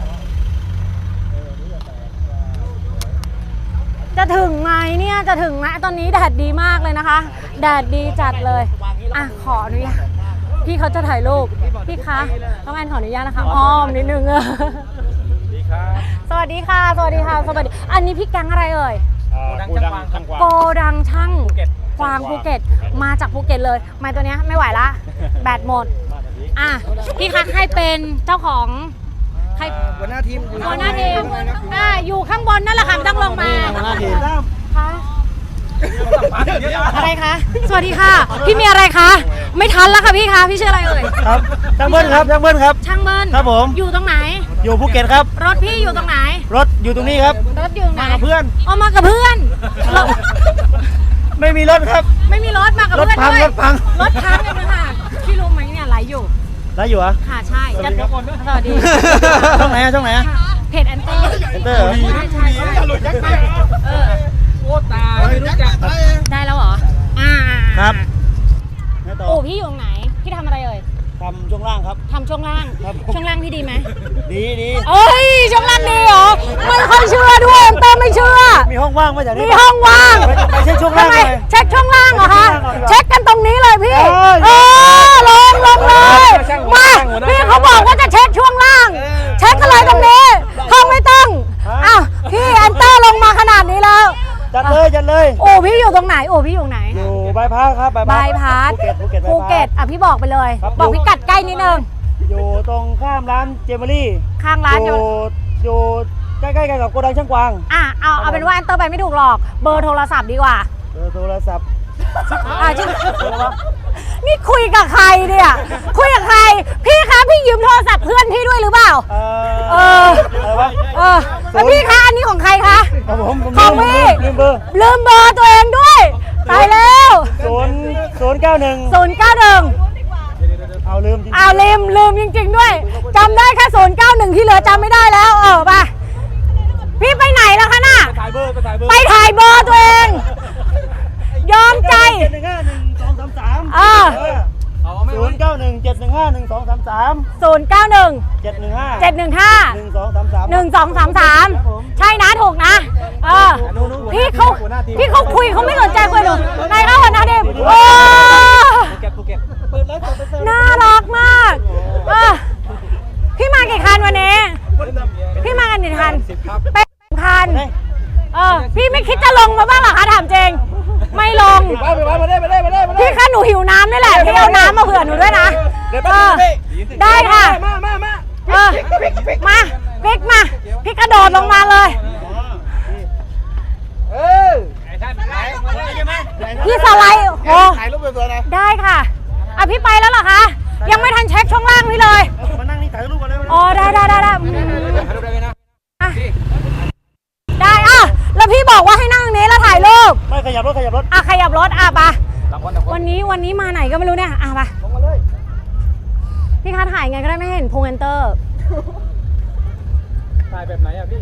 [SPEAKER 1] จะถึงไหมเนี่ย จะถึงไหมตอนนี้แดดดีมากเลยนะคะ แดดดีจัดเลย อ่ะ ขออนุญาต พี่เขาจะถ่ายรูป พี่คะต้องแอนขออนุญาตนะคะ อ้อมนิดนึงเออสวัสดีค่ะ สวัสดีค่ะ สวัสดี อันนี้พี่แก๊งอะไรเอ่ย
[SPEAKER 4] โกดังช่างกวาง
[SPEAKER 1] โกดังช่างกวางภูเก็ต มาจากภูเก็ตเลยไมาตัวเนี้ยไม่ไหวละ แบตหมด อ่ะ พี่คะให้เป็นเจ้าของใคร
[SPEAKER 3] หัวหน้าทีม
[SPEAKER 1] หัวหน้าทีมอ่ะอยู่ข้างบนนั่นแหละค่ะไม่ต้องลงมาคะอะไรคะ สวัสดีค่ะ พี่มีอะไรคะ ไม่ทันแล้วค่ะพี่คะ พี่ชื่ออะไรเอ่ย
[SPEAKER 2] ครับช่างเบิ้ลครับช่างเบิ้ลครับ
[SPEAKER 1] ช่างเบิ้ล
[SPEAKER 2] ครับผม
[SPEAKER 1] อยู่ตรงไหน
[SPEAKER 2] อยู่ภูเก็ตครับ
[SPEAKER 1] รถพี่อยู่ตรงไหน
[SPEAKER 2] รถอยู่ตรงนี้ครับ
[SPEAKER 1] รถอยู่ตรงไหน
[SPEAKER 2] มากับเพื่อน
[SPEAKER 1] เอามากับเพื่อนรถ
[SPEAKER 2] ไม่มีรถครับ
[SPEAKER 1] ไม่มีรถมากับ
[SPEAKER 2] รถ
[SPEAKER 1] เพื่อน
[SPEAKER 2] พัง
[SPEAKER 1] ด้วย
[SPEAKER 2] รถพัง
[SPEAKER 1] รถพังเลยค่ะพี่รู้ไหมเนี่ยไลฟ์อยู่
[SPEAKER 2] ได้อยู่เหรอ
[SPEAKER 1] ค่ะใช่จะสวัสดี
[SPEAKER 2] ช่องไหนอะช่องไหนอะ
[SPEAKER 1] เพจแอนเตอร์
[SPEAKER 2] เซ็นเตอร์เหรอ
[SPEAKER 1] ใช่ใช่เออ
[SPEAKER 5] โอ้ตายไม่รู้จัก
[SPEAKER 1] ได้แล้วเหรอ อ่า
[SPEAKER 2] ครับไงต่อ
[SPEAKER 1] โอ้พี่อยู่ตรงไหน พี่ทำอะไรเอ่ย
[SPEAKER 2] ทำช่วงล่างครับ
[SPEAKER 1] ทำช่วงล่าง
[SPEAKER 2] ครับ
[SPEAKER 1] ช่วงล่างพี่ดีไหม
[SPEAKER 2] ดีดี
[SPEAKER 1] เอ้ย ช่วงล่างดีเหรอ ไม่ค่อยเชื่อด้วยแอนเตอร์ไม่เชื่อ
[SPEAKER 2] มีห้องว่างไหมจากนี้
[SPEAKER 1] มีห้องว่าง
[SPEAKER 2] ไปไปเช็คช่วงล่าง
[SPEAKER 1] ทำไม
[SPEAKER 2] หน่อย
[SPEAKER 1] เช็คช่วงล่างเหรอคะ
[SPEAKER 2] เช็คช่วงล่างก่อน
[SPEAKER 1] เช็คกันตรงนี้เลยพี่
[SPEAKER 2] เอ้ย
[SPEAKER 1] เออลงลงเลย มาพี่เขาบอกว่าจะเช็คช่วงล่าง เช็คกันเลยตรงนี้ห้องไม่ต้องอ้าวพี่แอนเตอร์ลงมาขนาดนี้แล้ว
[SPEAKER 2] จัดเลยจัดเลย
[SPEAKER 1] โอ้พี่อยู่ตรงไหนโอ้พี่อยู่ไหน
[SPEAKER 2] อยู่บายพาสครับ
[SPEAKER 1] บายพาส
[SPEAKER 2] ภูเก็ตภูเก็ต
[SPEAKER 1] ภูเก็ตอ่ะพี่บอกไปเลย
[SPEAKER 2] ครับ
[SPEAKER 1] บอกพิกัดใกล้นิดนึง
[SPEAKER 2] อยู่ตรงข้ามร้านเจมอรี่
[SPEAKER 1] ข้างร้าน
[SPEAKER 2] อ
[SPEAKER 1] อยู่
[SPEAKER 2] ยู่อยู่ใกล้ๆกันกับโกดังช่างกวาง
[SPEAKER 1] อ่ะเอาเอาเป็นว่าแอนเตอร์ไปไม่ถูกหรอก เบอร์โทรศัพท์ดีกว่า
[SPEAKER 2] เบอร์โทรศัพท์
[SPEAKER 1] อ่ะชื่อนี่คุยกับใครเนี่ยคุยกับใคร พี่คะพี่ยืมโทรศัพท์เพื่อนพี่ด้วยหรือเปล่า
[SPEAKER 2] เอ่
[SPEAKER 1] เอ
[SPEAKER 2] อ
[SPEAKER 1] อ
[SPEAKER 2] อะไรวะ
[SPEAKER 1] เออแล้วพี่คะอันนี้ของใครคะ
[SPEAKER 2] ของผมผม
[SPEAKER 1] ของ
[SPEAKER 2] ลืม
[SPEAKER 1] พี่
[SPEAKER 2] ลืมเบอร์
[SPEAKER 1] ลืมเบอร์ตัวเองด้วยตายแล้ว
[SPEAKER 2] ศูนย์ศูนย์เก้าหนึ่ง
[SPEAKER 1] ศูนย์เก้าหนึ่ง
[SPEAKER 2] เอาลืมจริง
[SPEAKER 1] อ้าวลืมลืมจริง ๆ ด้วยจำได้แค่ศูนย์เก้าหนึ่งที่เหลือจำไม่ได้แล้วเออไปพี่ไปไหนแล้วคะน่ะ
[SPEAKER 2] ถ่ายเบอร์ไปถ่ายเบอร์
[SPEAKER 1] ไปถ่ายเบอร์ตัวเอง ยอมใจ
[SPEAKER 2] เจ็ดหนึ่งห้าหนึ่งสองสามสาม
[SPEAKER 1] เออ
[SPEAKER 2] ศูนย์เก้าหนึ่งเจ็ดหนึ่งห้าหนึ่งสองสามสาม
[SPEAKER 1] ศูนย์เก้าหนึ่ง
[SPEAKER 2] เจ็ดหนึ่งห้า
[SPEAKER 1] เจ็ดหนึ่งห้า
[SPEAKER 2] หนึ่งสองสามสาม
[SPEAKER 1] หนึ่งสองสามสามใช่นะถูกนะเออพี่เขาพี่เขาคุยเขาไม่สนใจคุยหนูนายเขาหัวหน้าทีม
[SPEAKER 5] ไปไว้มาได้มาได้มาได้มาได้
[SPEAKER 1] พี่คะหนูหิวน้ำนี่แหละพี่เอาน้ำมาเผื่อหนูด้วยนะ
[SPEAKER 5] เดี๋ยว
[SPEAKER 1] เอ
[SPEAKER 5] ไป
[SPEAKER 1] อได้ค่ะ
[SPEAKER 5] มามามา
[SPEAKER 1] เออมาพลิกมาพี่กระโดดลงมาเลย
[SPEAKER 5] เออไอ้ท่านไหนมาได้ใช่ไหม
[SPEAKER 1] พี่สไลด์โอ้
[SPEAKER 5] ถ่ายรูปสวยๆนะ
[SPEAKER 1] ได้ค่ะอ่ะพี่ไปแล้วเหรอคะยังไม่ทันเช็คช่องล่างพี่เลย
[SPEAKER 5] มานั่งนี่ถ่ายรูปกันได้ไหม
[SPEAKER 1] อ๋อได้ได้ได้ได้อืม
[SPEAKER 5] ถ่ายรูปได้ไหมนะ
[SPEAKER 1] อ่ะได้อ่ะแล้วพี่บอกว่าให้นั่งตรงนี้แล้วถ่ายรูป
[SPEAKER 5] ไม่ขยับรถขยับรถ
[SPEAKER 1] อ่ะขยับรถอ่ะไปะ
[SPEAKER 5] ต่างคนต่างคน
[SPEAKER 1] วันนี้วันนี้มาไหนก็ไม่รู้เนี่ยอ่ะไป
[SPEAKER 5] ลงมาเลย
[SPEAKER 1] พี่คะถ่ายไงก็ได้ไม่ให้เห็นพุงแอนเตอร์
[SPEAKER 5] ถ่ายแบบไหนอ่ะพี่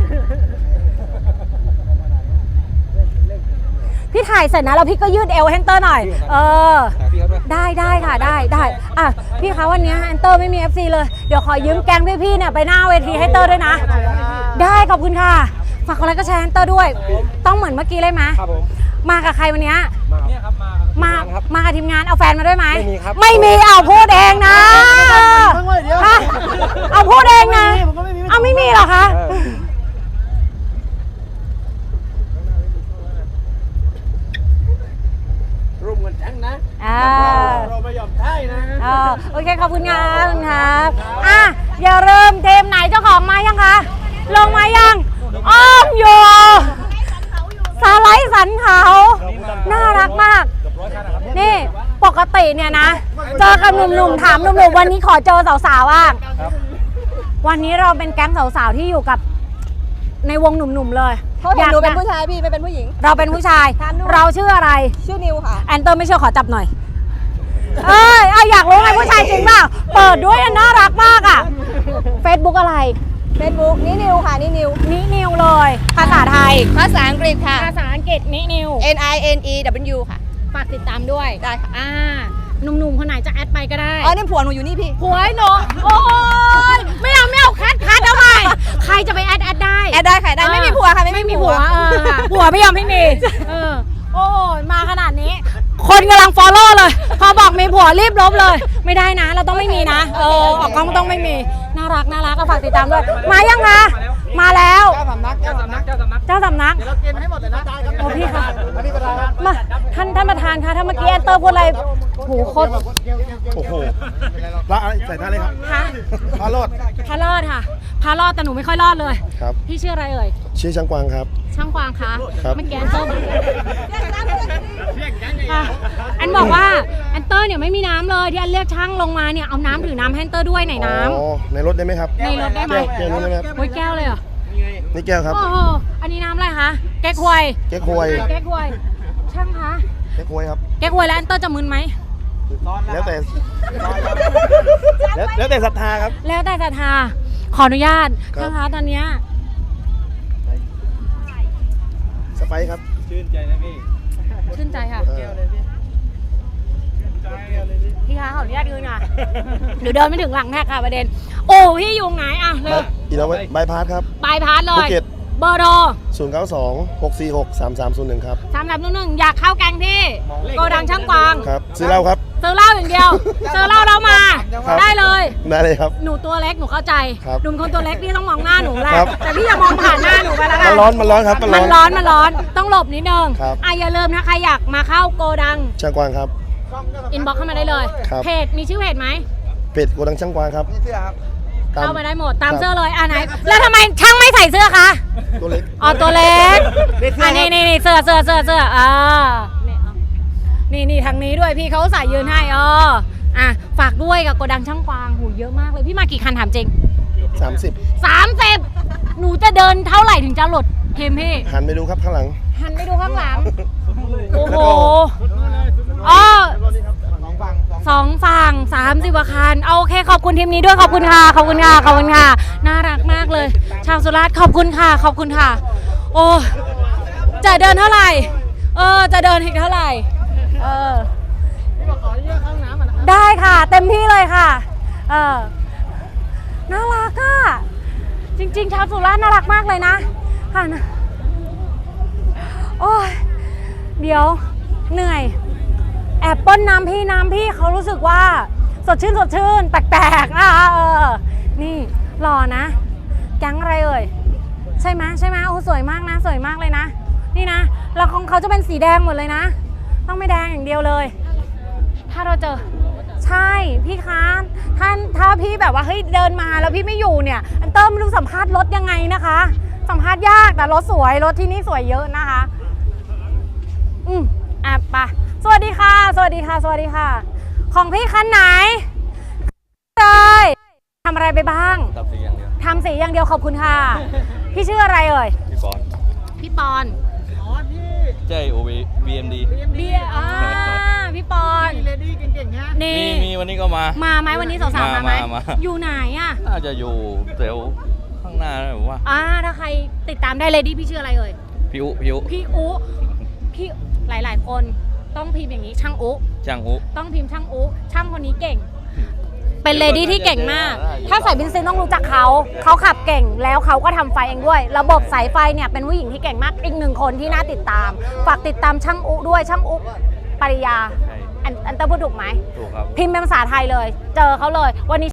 [SPEAKER 1] พี่ถ่ายเสร็จนะแล้วพี่ก็ยืดเอวให้แอนเตอร์หน่อยเออ
[SPEAKER 5] ถ่ายพี่เขาด้วย
[SPEAKER 1] ได้ได้ค่ะได้ได้อ่ะพี่คะวันนี้แอนเตอร์ไม่มี เอฟ ซี เลยเดี๋ยวขอยืมแก๊งพี่ๆเนี่ยไปหน้าเวทีให้เตอร์ด้วยนะได้ขอบคุณค่ะฝากกดไลค์ก็แชร์แอนเตอร์ด้วยต้องเหมือนเมื่อกี้เลยไหม
[SPEAKER 2] ครับผม
[SPEAKER 1] มากับใครวันนี้
[SPEAKER 5] เนี่ยครับมา
[SPEAKER 1] มา มากับทีมงานเอาแฟนมาด้วยไหม
[SPEAKER 2] ไม่มีครับ
[SPEAKER 1] ไม่มีเอาพูดเองนะฮะเอาพูดเองนะเอาไม่มีเหรอคะ
[SPEAKER 5] ร่วมกันจังนะ
[SPEAKER 1] อ่า
[SPEAKER 5] เราไม่ยอมใช่นะ
[SPEAKER 1] อ่าโอเคขอบคุณครับขอบคุณครับอ่ะอย่าเริ่มเทมไหนเจ้าของมายังคะลงมายังอ้อมอยู่สไลด์สันเขาน่ารักมาก นี่ปกติเนี่ยนะ เจอกับหนุ่มๆถามหนุ่มๆวันนี้ขอเจอสาวๆบ้างวันนี้เราเป็นแก๊งสาวๆที่อยู่กับในวงหนุ่มๆเลย
[SPEAKER 7] เพราะเห็นหนูเป็นผู้ชายพี่ไม่เป็นผู้หญิง
[SPEAKER 1] เราเป็นผู้ชาย
[SPEAKER 7] ถามดู
[SPEAKER 1] เราชื่ออะไร
[SPEAKER 7] ชื่อนิวค่ะ
[SPEAKER 1] แอนเตอร์ไม่เชื่อขอจับหน่อย เอ้ยอ่ะอยากรู้ไงผู้ชายจริงเปล่าเปิดด้วยอ่ะน่ารักมากอ่ะ Facebook อะไร
[SPEAKER 7] เฟซบุ๊กนี่นิวค่ะนี่นิว
[SPEAKER 1] นินิวเลย ภาษาไทย
[SPEAKER 7] ภาษาอังกฤษค่ะ
[SPEAKER 1] ภาษาอังกฤษนินิว
[SPEAKER 7] N I N E W ค่ะ
[SPEAKER 1] ฝากติดตามด้วย
[SPEAKER 7] ได้ค่ะ
[SPEAKER 1] อ่าหนุ่มๆคนไหนจะแอดไปก็ได้
[SPEAKER 7] อ๋อนี่ผัวหนูอยู่นี่พี่
[SPEAKER 1] ผัวไอ้หนูโอ้ยไม่เอาไม่เอาแคทแคทเอาไปใครจะไปแอดแอดได้
[SPEAKER 7] แอดได้ค่ะได้ไม่มีผัวค่ะไม่มีผัว
[SPEAKER 1] เออผัวไม่ยอมให้มีเออโอ้ยมาขนาดนี้ คนกำลังฟอลโล่เลยพอบอกมีผัวรีบลบเลย ไม่ได้นะ เราต้องไม่มีนะเออออกกล้องต้องไม่มีน่ารักน่ารักก็ฝากติดตามด้วยมายังคะมาแล้ว
[SPEAKER 5] เจ้าสำนักเจ้าสำนักเจ้าสำนัก
[SPEAKER 1] เจ้าสำนัก
[SPEAKER 5] เราเกณฑ์ให้หมดเลยนะได้ครับ
[SPEAKER 1] โอ้พี่ค่ะ
[SPEAKER 5] อันนี้ประธาน
[SPEAKER 1] มาท่านท่านประธานคะถ้าเมื่อกี้แอนเตอร์พูดอะไรหูโคตร
[SPEAKER 5] โอ้โหละอะไรใส่ท่าเลยครับ
[SPEAKER 1] คะ
[SPEAKER 5] พาโรด
[SPEAKER 1] พารอดค่ะพารอดแต่หนูไม่ค่อยรอดเลย
[SPEAKER 8] ครับ
[SPEAKER 1] พี่ชื่ออะไรเอ่ย
[SPEAKER 8] ชื่อช่างกวางครับ
[SPEAKER 1] ช่างกวางคะ
[SPEAKER 8] ครับ
[SPEAKER 1] เมื่อกี้แอนเตอร์ค่ะแอนบอกว่าแอนเตอร์เนี่ยไม่มีน้ำเลยที่แอนเรียกช่างลงมาเนี่ยเอาน้ำถือน้ำให้แอนเตอร์ด้วยไหนน้
[SPEAKER 8] อ๋อ ในรถได้ไหมครับ
[SPEAKER 1] ำในรถได้ไหม
[SPEAKER 8] แก้วแก้วนี้ได้ไหมครับ
[SPEAKER 1] โอ้ยแก้วเลยเหรอ
[SPEAKER 8] นี่แก้วครับ
[SPEAKER 1] โอ้โหอันนี้น้ำอะไรคะแก้ควย
[SPEAKER 8] แก้วควย
[SPEAKER 1] แก้ควยช่างคะ
[SPEAKER 8] แก้วควยครับ
[SPEAKER 1] แก้ควยแล้วแอนเตอร์จะมึนไหม
[SPEAKER 8] แล้วแต่ แล้วแล้วแต่ศรัทธาครับ
[SPEAKER 1] แล้วแต่ศรัทธาขออนุญาต
[SPEAKER 8] ครับ
[SPEAKER 1] ช่างคะตอนเนี้ย
[SPEAKER 8] สไปซ์ครับ
[SPEAKER 5] ชื่นใจนะพี่
[SPEAKER 1] ชื่นใจค่ะ
[SPEAKER 8] เออ
[SPEAKER 1] พี่คะขออนุญาตยืนหน่อยเดี๋ยวเดินไม่ถึงหลังแท็กค่ะประเด็น โอ้พี่อยู่ไหนอ่ะเร็ว
[SPEAKER 8] อีแล้วบายพาสครับ
[SPEAKER 1] บายพาสเล
[SPEAKER 8] ภู
[SPEAKER 1] ย
[SPEAKER 8] เก็ต
[SPEAKER 1] เบอร์โทร
[SPEAKER 8] ศูนย์ เก้า สอง หก สี่ หก สาม สาม ศูนย์ หนึ่ง ครับ
[SPEAKER 1] สามสามหนึ่งหนึ่งอยากเข้าแกงที่โกดังช่างกวาง
[SPEAKER 8] ครับ ซื้อเหล้าครับ
[SPEAKER 1] ซื้อเหล้าอย่างเดียวซื้อเหล้าเรามา
[SPEAKER 8] ครับ
[SPEAKER 1] ได้เลย
[SPEAKER 8] ได้เลยครับ
[SPEAKER 1] หนูตัวเล็กหนูเข้าใจ
[SPEAKER 8] ครับ
[SPEAKER 1] หนุ่มคนตัวเล็กพี่ต้องมองหน้าหนูแหละ
[SPEAKER 8] ครับ
[SPEAKER 1] แต่พี่อย่ามองผ่านหน้าหนูไปแล้วกั
[SPEAKER 8] มัน นร้อน มันร้อนครับ มัน
[SPEAKER 1] มั
[SPEAKER 8] ร้
[SPEAKER 1] น
[SPEAKER 8] อน
[SPEAKER 1] ร้อนมันร้อนต้องหลบนิดนึง
[SPEAKER 8] ครับ
[SPEAKER 1] อ่ะอย่าลืมนะใครอยากมาเข้าโกดัง
[SPEAKER 8] ช่างกวางครับ
[SPEAKER 1] อินบ็อกเข้ามาได้เลย
[SPEAKER 8] ครับ
[SPEAKER 1] เพจมีชื่อเพจไหม
[SPEAKER 8] เพจโกดังช่างกวางครับ
[SPEAKER 5] นี่เสื้อครับ
[SPEAKER 8] ตาม
[SPEAKER 1] เข้ามาได้หมดตาม
[SPEAKER 8] ครับ
[SPEAKER 1] เสื้อเลยอ่ะไหนแล้วทำไมช่างไม่ใส่เสื้อคะ
[SPEAKER 8] ตัวเล็ก
[SPEAKER 1] อ๋อตัวเล็กอ่ะนี่นี่นี่เสื้อเสื้อเสื้อเสื้ออ่านี่เอานี่นี่ทางนี้ด้วยพี่เขาใส่ยืนให้อ๋ออ่ะฝากด้วยกับโกดังช่างกวางหูเยอะมากเลยพี่มากี่คันถามจริง
[SPEAKER 8] สามสิบ
[SPEAKER 1] สามสิบหนูจะเดินเท่าไหร่ถึงจะหลดเทมพี่
[SPEAKER 8] หันไปดูครับข้างหลัง
[SPEAKER 1] หันไปดูข้างหลังโอ้โหอ๋อ
[SPEAKER 5] สองฝั่งสอง
[SPEAKER 1] สองฝั่งสามสิบกว่าคันเอาโอเคขอบคุณทีมนี้ด้วยขอบคุณค่ะขอบคุณค่ะขอบคุณค่ะน่ารักมากเลย ชาวสุราษฎร์ขอบคุณค่ะขอบคุณค่ะ โอ้จะเดินเท่าไหร่เออจะเดินอีกเท่าไหร่เออได้ค่ะเต็มที่เลยค่ะเออน่ารักอ่ะจริงๆชาวสุราษฎร์น่ารักมากเลยนะค่ะนะโอ้ยเดี๋ยวเหนื่อยแอบป้นน้ำพี่น้ำพี่เขารู้สึกว่าสดชื่นสดชื่นแปลกๆอ่ะเออนี่หล่อนะแก๊งอะไรเอ่ยใช่ไหมใช่ไหมโอ้สวยมากนะสวยมากเลยนะนี่นะแล้วของเขาจะเป็นสีแดงหมดเลยนะต้องไม่ยวเลย ถ้าเราเจอใช่พี่คะท่านถ้าพี่แบบว่าเฮ้ยเดินมาแล้วพี่ไม่อยู่เนี่ยอันเติมไม่รู้สัมภาษณ์รถยังไงนะคะ สัมภาษณ์ยากแต่รถสวยรถที่นี่สวยเยอะนะคะ อืมอ่ะไปสวัสดีค่ะ สวัสดีค่ะ สวัสดีค่ะ ของพี่คันไหนเลยทำอะไรไปบ้าง
[SPEAKER 4] ตับสีอย่างเดียว
[SPEAKER 1] ทำสีอย่างเดียวขอบคุณค่ะ พี่ชื่ออะไรเอ่ย
[SPEAKER 4] พี่บอล
[SPEAKER 1] พี่ปอน
[SPEAKER 4] เจโอวีบีเอ็มดี
[SPEAKER 1] เบียร์อ่าพี่ปอน
[SPEAKER 5] เลดี้เก่งๆฮะ
[SPEAKER 1] นี่
[SPEAKER 4] มีมีวันนี้ก็มา
[SPEAKER 1] มาไหมวันนี้สาวๆมาไหม
[SPEAKER 4] มามา
[SPEAKER 1] อยู่ไหนอ่ะ
[SPEAKER 4] น่าจะอยู่แถวข้างหน้านะผมว่า
[SPEAKER 1] อ่าถ้าใครติดตามได้เลยดิพี่ชื่ออะไรเอ่ย
[SPEAKER 4] พิวพิว
[SPEAKER 1] พี่อุพี่หลายๆ คนต้องพิมพ์อย่างนี้ช่างอุ
[SPEAKER 4] ช่างอุ
[SPEAKER 1] ต้องพิมพ์ช่างอุช่างคนนี้เก่ง เป็นเลดี้ที่เก่งมาก ถ้าใส่บินซินต้องรู้จักเขา เขาขับเก่งแล้วเขาก็ทำไฟเองด้วย ระบบสายไฟเนี่ยเป็นผู้หญิงที่เก่งมาก อีกหนึ่งคนที่น่าติดตาม ฝากติดตามช่างอุด้วย ช่างอุปริยา
[SPEAKER 4] ใช่
[SPEAKER 1] อันอันเตอร์พูดถูกไหม
[SPEAKER 4] ถูกครับ
[SPEAKER 1] พิมพ์เป็นภาษาไทยเลย เจอเขาเลย วันนี้